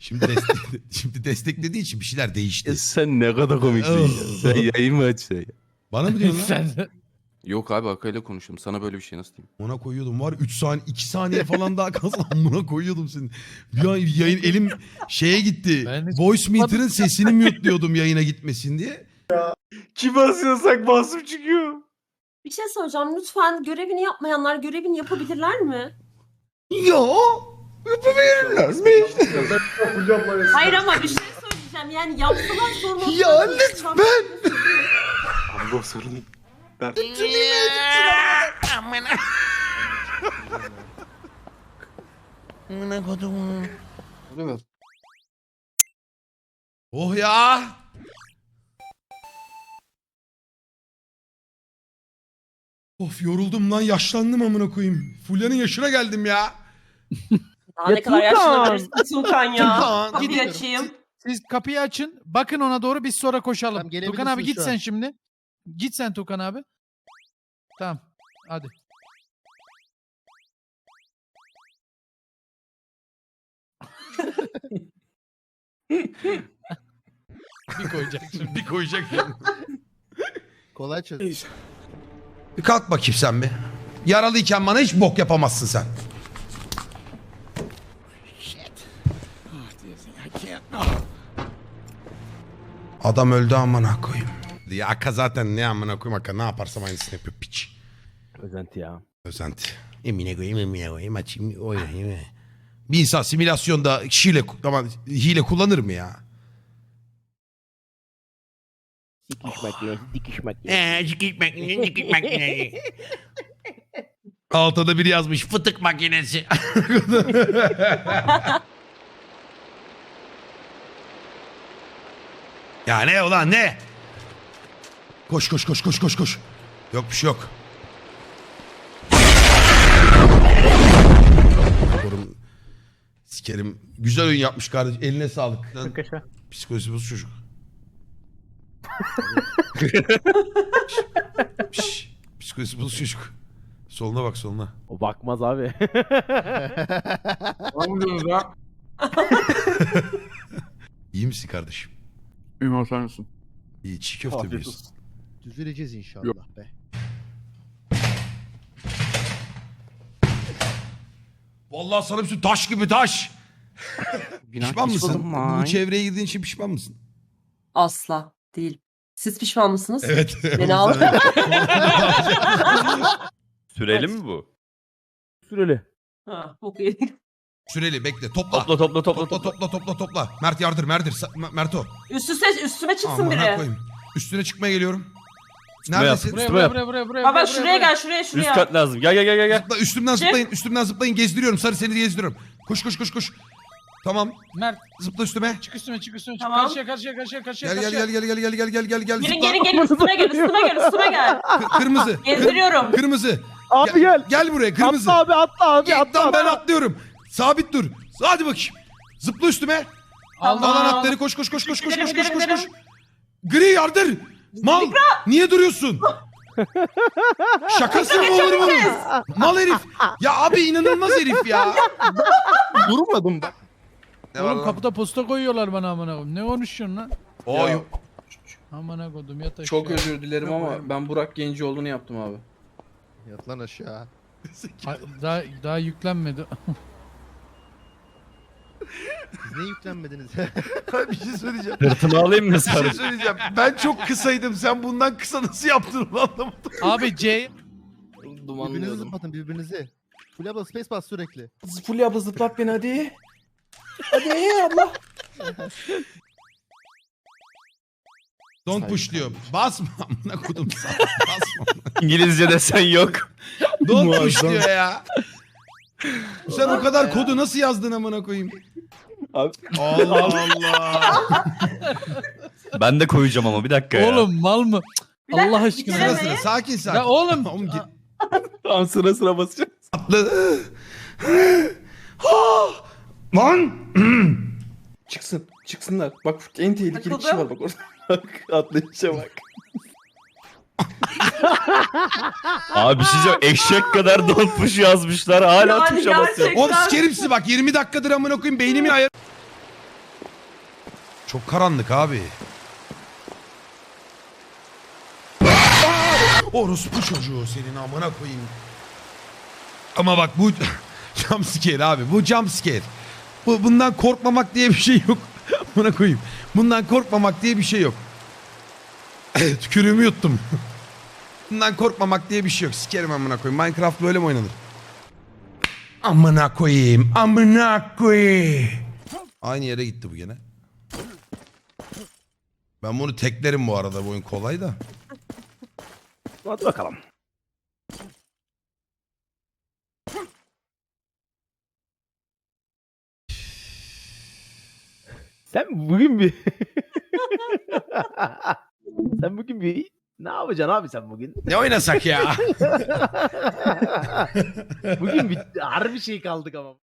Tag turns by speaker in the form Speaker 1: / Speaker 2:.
Speaker 1: Şimdi şimdi desteklediği için bir şeyler değişti.
Speaker 2: Sen ne kadar komiksin ya. Sen yayın mı açsın ya?
Speaker 1: Bana mı diyorsun lan?
Speaker 3: Sen
Speaker 2: Yok abi Akay'la konuşuyorum. Sana böyle bir şey nasıl diyeyim?
Speaker 1: Ona koyuyordum var 3 saniye 2 saniye falan daha kalsam buna koyuyordum seni. Bir an yayın elim şeye gitti.
Speaker 3: Ben hiç
Speaker 1: Voice meter'ın sesini mute'luyordum yayına gitmesin diye.
Speaker 2: Kim basıyorsak basıp çıkıyor.
Speaker 4: Bir şey soracağım. Lütfen görevini yapmayanlar görevini yapabilirler mi?
Speaker 1: Yo yapabilirler mi?
Speaker 4: Hayır ama bir şey söyleyeceğim. Yani yapsalar sorun olmaz.
Speaker 1: Ya lütfen.
Speaker 2: Abi o sorun.
Speaker 1: Oh ya. Of yoruldum lan yaşlandım amına koyayım. Fulya'nın yaşına geldim ya.
Speaker 4: Daha ne kadar yaşlanabilirsin Tuğkan ya.
Speaker 1: Tuğkan,
Speaker 4: Kapıyı
Speaker 3: gidiyorum.
Speaker 4: açayım.
Speaker 3: siz kapıyı açın. Bakın ona doğru biz sonra koşalım.
Speaker 5: Tamam, gelebilirsin
Speaker 3: Tukan abi git
Speaker 5: şu an.
Speaker 3: sen şimdi. Git sen Tukan abi. Tamam. Hadi. Bir koyacak şimdi.
Speaker 1: Bir koyacak.
Speaker 5: Kolay çöz.
Speaker 1: Bir kalk bakayım sen bir. Yaralıyken bana hiç bok yapamazsın sen. Adam öldü amına koyayım. Ya Aka zaten ne amına koyayım Aka ne yaparsam aynısını yapıyor piç.
Speaker 2: Özenti ya.
Speaker 1: Özenti. Emine koyayım açayım oynayayım. Bir insan simülasyonda hile kullanır mı ya?
Speaker 6: Dikiş makinesi.
Speaker 1: Altta da biri yazmış fıtık makinesi. Ya ne ulan ne? Koş koş koş koş koş koş. Yok bir şey yok. Korum. Sikerim. Güzel oyun yapmış kardeşim. Eline sağlık. Lan, psikolojisi bozuk çocuk. Şş, psikolojisi bozuk çocuk. Soluna bak soluna.
Speaker 2: O bakmaz abi.
Speaker 1: İyi misin kardeşim?
Speaker 2: Ümit sen misin?
Speaker 1: İyi çiğ köfte
Speaker 2: Afiyet
Speaker 1: biliyorsun.
Speaker 2: olsun.
Speaker 5: Düzeleceğiz inşallah
Speaker 2: Yok.
Speaker 5: be.
Speaker 1: Vallahi sana bir şey taş gibi taş. Pişman mısın? Bu çevreye girdiğin için pişman mısın?
Speaker 4: Asla değil. Siz pişman mısınız?
Speaker 1: Evet.
Speaker 4: Beni al.
Speaker 6: Süreli mi bu?
Speaker 2: Süreli.
Speaker 4: Ha, bok yedik.
Speaker 1: Süreli bekle topla. Topla. Mert yardır Merto.
Speaker 4: Üstüme çıksın
Speaker 1: Amına
Speaker 4: biri.
Speaker 1: koyayım. Üstüne çıkmaya geliyorum.
Speaker 6: Çıkma yap.
Speaker 1: Neredesin?
Speaker 3: Buraya.
Speaker 4: Baba şuraya gel şuraya.
Speaker 6: Üst kat lazım. Gel.
Speaker 1: Zıpla, üstümden zıplayın gezdiriyorum. Sarı seni gezdiriyorum. Koş. Tamam.
Speaker 3: Mert
Speaker 1: Zıpla üstüme.
Speaker 3: çık üstüme.
Speaker 4: Tamam.
Speaker 3: Karşıya.
Speaker 1: Gel.
Speaker 4: Gelin
Speaker 1: Zıpla.
Speaker 4: gelin üstüme gel.
Speaker 1: Kırmızı.
Speaker 4: Gezdiriyorum.
Speaker 1: Kırmızı.
Speaker 2: Abi gel.
Speaker 1: Gel buraya kırmızı.
Speaker 2: Atla abi
Speaker 1: Tamam ben atlıyorum. Sabit dur. Hadi bakayım. Zıpla üstüme.
Speaker 4: Tamam.
Speaker 1: Al anahtarı koş.
Speaker 4: Gidelim.
Speaker 1: Gri yardır. Mal. Niye duruyorsun? Şakası mı olur bunun? Mal herif. Ya abi inanılmaz herif ya.
Speaker 2: Durmadım bak.
Speaker 3: Oğlum kapıda posta koyuyorlar bana amına koyayım. Ne konuşuyorsun lan?
Speaker 1: Oy.
Speaker 3: Amına koydum yat aşağı.
Speaker 7: Çok özür dilerim ama ben Burak Gencioğlu'nu yaptım abi.
Speaker 5: Yat lan aşağı.
Speaker 3: Daha yüklenmedi.
Speaker 5: Siz niye yüklenmediniz?
Speaker 1: Bir şey söyleyeceğim.
Speaker 6: Sırtımı alayım mı
Speaker 1: Bir şey
Speaker 6: sarı?
Speaker 1: söyleyeceğim. Ben çok kısaydım. Sen bundan kısa nasıl yaptın onu anlamadım.
Speaker 3: Abi C
Speaker 5: Birbirinizi
Speaker 7: Dumanlıyordum.
Speaker 5: zıplatın birbirinizi. Fulya abla space bas sürekli.
Speaker 7: Fulya abla zıplat beni hadi. Hadi abla.
Speaker 1: Don't push diyor. Basma amına kodum. Basma.
Speaker 6: İngilizce desen yok.
Speaker 1: Don't push diyor ya. Sen o kadar kodu nasıl yazdın amına koyayım?
Speaker 7: Abi.
Speaker 1: Allah Allah.
Speaker 6: Ben de koyacağım ama bir dakika ya.
Speaker 3: oğlum mal mı?
Speaker 4: Bir dakika,
Speaker 3: Allah aşkına.
Speaker 1: Sıra
Speaker 4: bitiremeyin.
Speaker 1: sıra sakin.
Speaker 3: Ya oğlum.
Speaker 2: Tamam sıra basacağım.
Speaker 1: Atla. Lan.
Speaker 7: Çıksınlar. Bak en tehlikeli kişi var bak orada. Bak atlayışa bak.
Speaker 6: Abi bir şey diyeceğim. Eşek kadar donmuş yazmışlar. Hala
Speaker 4: Yani
Speaker 6: tuşa basıyor.
Speaker 4: gerçekten.
Speaker 1: Oğlum sikerim sizi bak 20 dakikadır amına koyayım beynimin ayarı. Çok karanlık abi. Orospu çocuğu senin amına koyayım. Ama bak bu jumpscare abi. Bu jumpscare. Bundan korkmamak diye bir şey yok. Amına koyayım. Bundan korkmamak diye bir şey yok. Tükürüğümü yuttum. Bundan korkmamak diye bir şey yok. Sikerim amına koyayım. Minecraft böyle mi oynanır? Amına koyayım. Amına koyayım. Aynı yere gitti bu gene. Ben bunu teklerim bu arada. Bu oyun kolay da.
Speaker 2: Hadi bakalım. Sen bugün bir... Sen bugün bir... Ne yapacaksın abi sen bugün?
Speaker 1: Ne oynasak ya?
Speaker 2: Bugün bir harbi şey kaldık ama.